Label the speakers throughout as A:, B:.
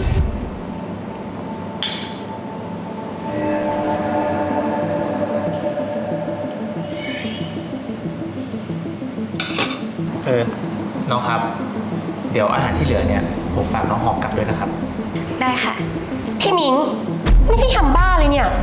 A: น้องครับเดี๋ยวอาหารที่เหลือเนี่ยผมฝากน้องหอกกลับด้วยนะครับ
B: ได้ค่ะ
C: พี่มิงนี่พี่ทำบ้าเลยเนี่ย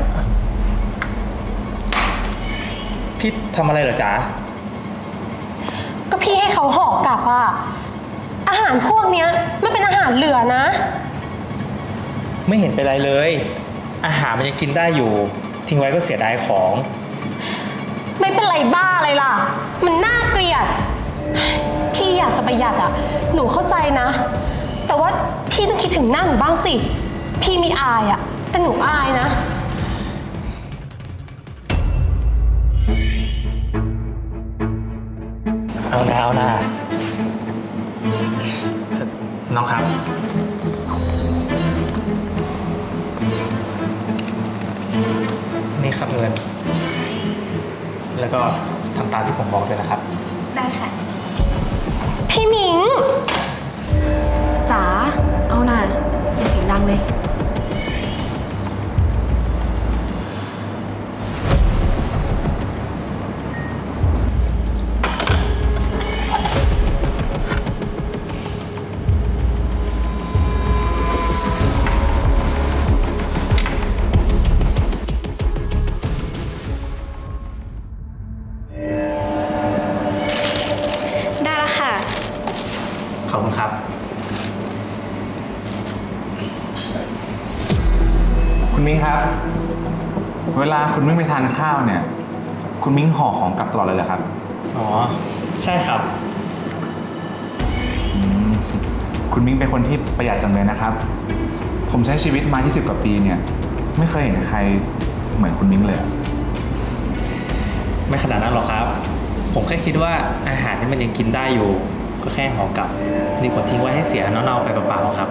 A: พี่ทำอะไรเหรอจ๊ะ
C: ก็พี่ให้เขาห่อกลับอะอาหารพวกเนี้ยมันเป็นอาหารเหลือนะ
A: ไม่เห็นเป็นไรเลยอาหารมันยังกินได้อยู่ทิ้งไว้ก็เสียดายของ
C: ไม่เป็นไรบ้าอะไรล่ะมันน่าเกลียดพี่อยากจะประหยัดอะหนูเข้าใจนะแต่ว่าพี่ต้องคิดถึงหน้าหนูบ้างสิพี่มีอายอะแต่หนูอายนะ
A: เอานะน้องครับนี่ครับเงินแล้วก็ทำตามที่ผมบอกเลยนะครับ
B: ได้ค่ะ
C: พี่มิง
D: จ๋าเอาหน่าอย่าเสียงดังเลย
B: ได้แล้วค่ะ
A: ขอบคุณครับ
E: คุณมิ้งครับเวลาคุณมิ้งไปทานข้าวเนี่ยคุณมิ้งห่อของกลับตลอดเลยเหรอครับ
A: อ๋อใช่ครับ
E: คุณมิ้งเป็นคนที่ประหยัดจังเลยนะครับผมใช้ชีวิตมา20กว่าปีเนี่ยไม่เคยเห็นใครเหมือนคุณมิ้งเลย
A: ไม่ขนาดนั้นหรอกครับผมแค่คิดว่าอาหารที่มันยังกินได้อยู่ก็แค่ห่อกลับดีกว่าทิ้งไว้ให้เสียเน่าๆไปเปล่าๆครับ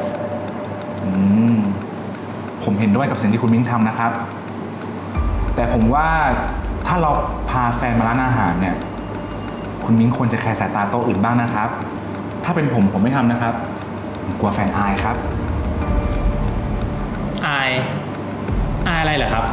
E: ผมเห็นด้วยกับสิ่งที่คุณมิ้งทำนะครับแต่ผมว่าถ้าเราพาแฟนมาร้านอาหารเนี่ยคุณมิ้งควรจะแคร์สายตาโต๊ะอื่นบ้างนะครับถ้าเป็นผมไม่ทำนะครับผมกลัวแฟนอายครับ
A: อายอะไรเหรอครับ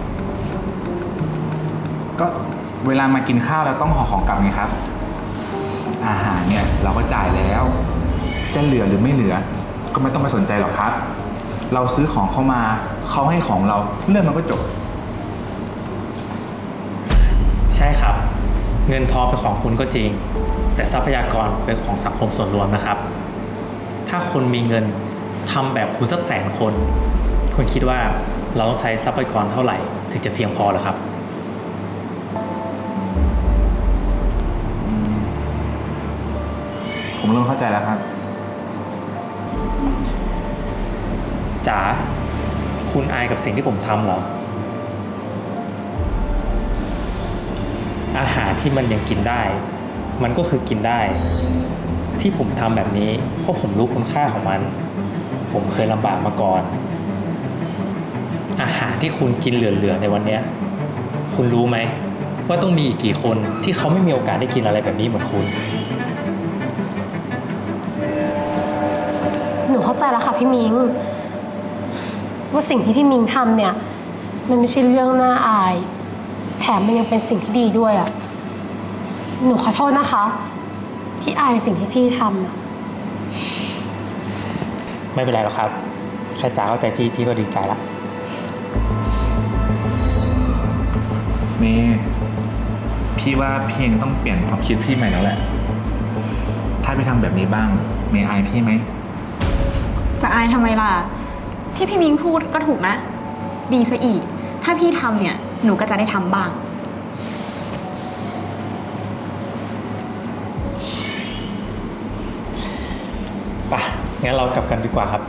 E: ก็เวลามากินข้าวแล้วต้องห่อของกลับไงครับอาหารเนี่ยเราก็จ่ายแล้วจะเหลือหรือไม่เหลือก็ไม่ต้องไปสนใจหรอกครับเราซื้อของเข้ามาเขาให้ของเราเรื่องมันก็จบ
A: ใช่ครับเงินทองเป็นของคุณก็จริงแต่ทรัพยากรเป็นของสังคมส่วนรวมนะครับถ้าคุณมีเงินทำแบบคุณสัก100,000 คนคุณคิดว่าเราต้องใช้ทรัพยากรเท่าไหร่ถึงจะเพียงพอหรอครับ
E: ผมเริ่มเข้าใจแล้วครับ
A: จ๋าคุณอายกับสิ่งที่ผมทำเหรออาหารที่มันยังกินได้มันก็คือกินได้ที่ผมทำแบบนี้เพราะผมรู้คุณค่าของมันผมเคยลำบากมาก่อนอาหารที่คุณกินเหลือๆในวันนี้คุณรู้ไหมว่าต้องมีอีกกี่คนที่เขาไม่มีโอกาสได้กินอะไรแบบนี้เหมือนคุณ
C: หนูเข้าใจแล้วค่ะพี่มิงว่าสิ่งที่พี่มิงทำเนี่ยมันไม่ใช่เรื่องน่าอายแถมมันยังเป็นสิ่งที่ดีด้วยอ่ะหนูขอโทษนะคะที่อายสิ่งที่พี่ทำอ่ะ
A: ไม่เป็นไรหรอกครับแค่จ๋าเข้าใจพี่ก็ดีใจละ
E: เมย์พี่ว่าพี่เองต้องเปลี่ยนความคิดพี่ใหม่แล้วแหละถ้าพี่ทำแบบนี้บ้างเมย์อายพี่ไหม
D: จะอายทำไมล่ะที่พี่มิ้งพูดก็ถูกนะดีซะอีกถ้าพี่ทำเนี่ยหนูก็จะได้ทำบ้าง
A: ป่ะงั้นเรากลับกันดีกว่าครับ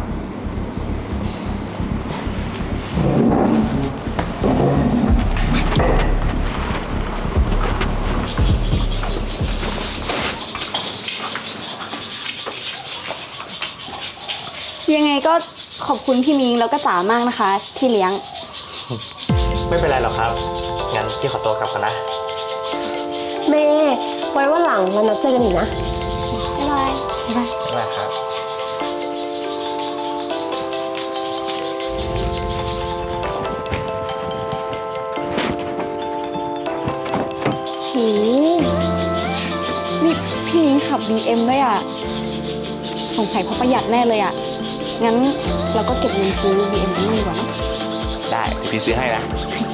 D: ยังไงก็ขอบคุณพี่มิ้งแล้วก็จ๋ามากนะคะที่เลี้ยง
A: ไม่เป็นไรหรอกครับงั้นพี่ขอตัวกลับก่อนนะ
C: เมย์ไว้ว่าหลังเรานัดเจอกันอีกนะ
D: บ๊ายบาย
A: บ๊ายบายครับ
D: นี่พี่มิ้งขับ BM ด้วยอ่ะ สงสัยเพราะประหยัดแน่เลยอ่ะ งั้นเราก็เก็บเงินซื้อ BM กันมั่งดีกว่าเนอะ
E: ได้เดี๋ยวพี่ซื้อให้นะ
D: โอเค